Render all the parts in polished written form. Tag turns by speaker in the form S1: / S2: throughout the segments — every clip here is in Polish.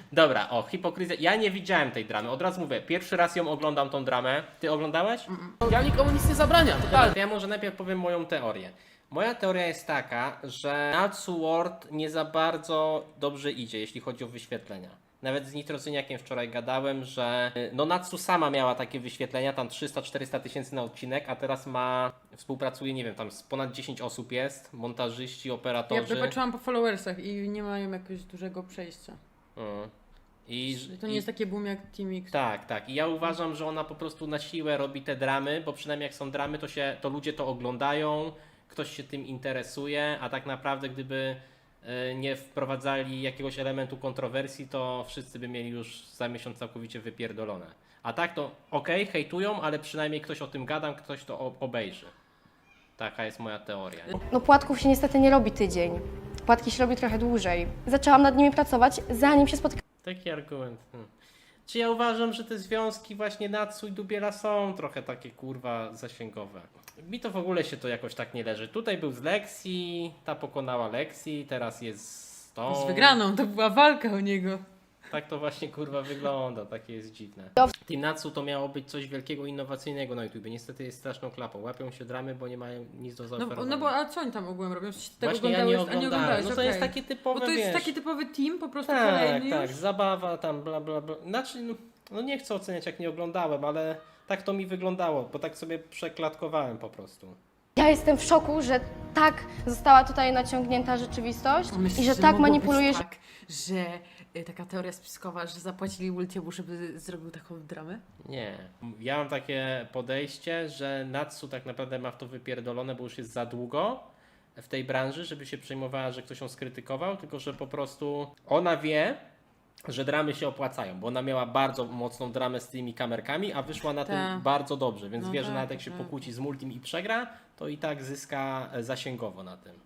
S1: Dobra, o, hipokryzja. Ja nie widziałem tej dramy, od razu mówię, pierwszy raz ją oglądam tą dramę. Ty oglądałeś?
S2: Ja nikomu nic nie zabrania,
S1: Dobra,
S2: totalnie.
S1: to ja może najpierw powiem moją teorię. Moja teoria jest taka, że Natsu World nie za bardzo dobrze idzie, jeśli chodzi o wyświetlenia. Nawet z Nitrozyniakiem wczoraj gadałem, że no Natsu sama miała takie wyświetlenia, tam 300-400 tysięcy na odcinek, a teraz współpracuje, nie wiem, tam z ponad 10 osób jest, montażyści,
S3: Ja
S1: operatorzy.
S3: patrzyłam po followersach i nie mają jakiegoś dużego przejścia.
S1: I,
S3: To nie jest takie boom jak Team X.
S1: Tak, tak. I ja uważam, że ona po prostu na siłę robi te dramy, bo przynajmniej jak są dramy, to ludzie to oglądają, ktoś się tym interesuje, a tak naprawdę gdyby nie wprowadzali jakiegoś elementu kontrowersji, to wszyscy by mieli już za miesiąc całkowicie wypierdolone. A tak to okej, hejtują, ale przynajmniej ktoś o tym gada, ktoś to obejrzy. Taka jest moja teoria.
S4: No płatków się niestety nie robi tydzień. Płatki się robi trochę dłużej. Zaczęłam nad nimi pracować, zanim się spotkałam
S1: Taki argument. Czy ja uważam, że te związki właśnie Natsu i Dubiela są trochę takie kurwa zasięgowe. Mi to w ogóle się to jakoś tak nie leży. Tutaj był z Lexi, ta pokonała Lexi, teraz jest z tą.
S3: Z wygraną, to była walka o niego.
S1: Tak to właśnie kurwa wygląda, takie jest dziwne. Team Natsu to miało być coś wielkiego, innowacyjnego na YouTube. Niestety jest straszną klapą. Łapią się dramy, bo nie mają nic do zaoferowania.
S3: No bo a co oni tam ogółem robią? Czy tego
S1: Właśnie ja nie
S3: oglądałeś? A nie
S1: oglądałem.
S3: oglądałeś,
S1: No to
S3: okej.
S1: jest takie typowe,
S3: Bo to jest
S1: wiesz,
S3: taki typowy team, po prostu
S1: tak,
S3: kolejny
S1: tak,
S3: już.
S1: zabawa tam bla bla bla. Znaczy, no nie chcę oceniać jak nie oglądałem, ale tak to mi wyglądało, bo tak sobie przeklatkowałem po prostu.
S4: Ja jestem w szoku, że tak została tutaj naciągnięta rzeczywistość
S3: Myślisz,
S4: i że tak
S3: mogło
S4: manipulujesz.
S3: być tak, że taka teoria spiskowa, że zapłacili Ultiemu, żeby zrobił taką dramę?
S1: Nie. Ja mam takie podejście, że Natsu tak naprawdę ma w to wypierdolone, bo już jest za długo w tej branży, żeby się przejmowała, że ktoś ją skrytykował, tylko że po prostu ona wie, że dramy się opłacają, bo ona miała bardzo mocną dramę z tymi kamerkami, a wyszła na tym
S3: Tak.
S1: bardzo dobrze, więc
S3: No
S1: wie, że
S3: tak,
S1: nawet jak się
S3: tak.
S1: pokłóci z Multim i przegra, to i tak zyska zasięgowo na tym.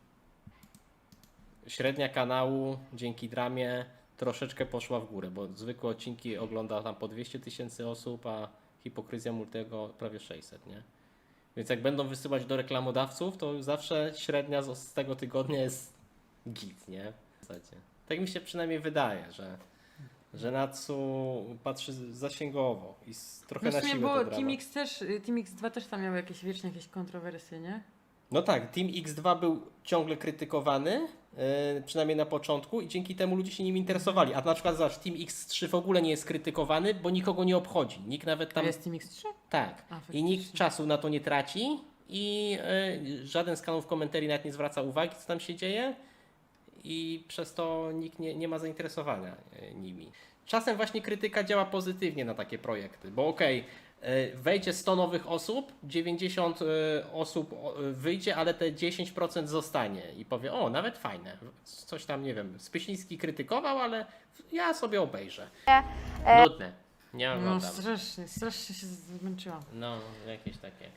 S1: Średnia kanału dzięki dramie troszeczkę poszła w górę, bo zwykłe odcinki ogląda tam po 200 tysięcy osób, a hipokryzja Multiego prawie 600, nie? Więc jak będą wysyłać do reklamodawców, to zawsze średnia z tego tygodnia jest git, nie? W zasadzie. Tak mi się przynajmniej wydaje, że Natsu patrzy zasięgowo i trochę
S3: No w
S1: na
S3: sumie,
S1: siłę
S3: bo
S1: to drama.
S3: Team X2 też tam miał wiecznie jakieś kontrowersje, nie?
S1: No tak, Team X2 był ciągle krytykowany, przynajmniej na początku i dzięki temu ludzie się nim interesowali. A na przykład zobacz, Team X3 w ogóle nie jest krytykowany, bo nikogo nie obchodzi. Nikt nawet
S3: Tam
S1: tam...
S3: jest Team X3?
S1: Tak.
S3: A,
S1: I
S3: faktycznie.
S1: nikt czasu na to nie traci i żaden z kanałów komentarii nawet nie zwraca uwagi, co tam się dzieje i przez to nikt nie ma zainteresowania nimi. Czasem właśnie krytyka działa pozytywnie na takie projekty, bo okej, wejdzie 100 nowych osób, 90 osób wyjdzie, ale te 10% zostanie i powie, o, nawet fajne, coś tam, nie wiem, Spyśliński krytykował, ale ja sobie obejrzę. Nudne, nie
S3: No
S1: oglądam.
S3: strasznie się zmęczyłam.
S1: No, jakieś takie.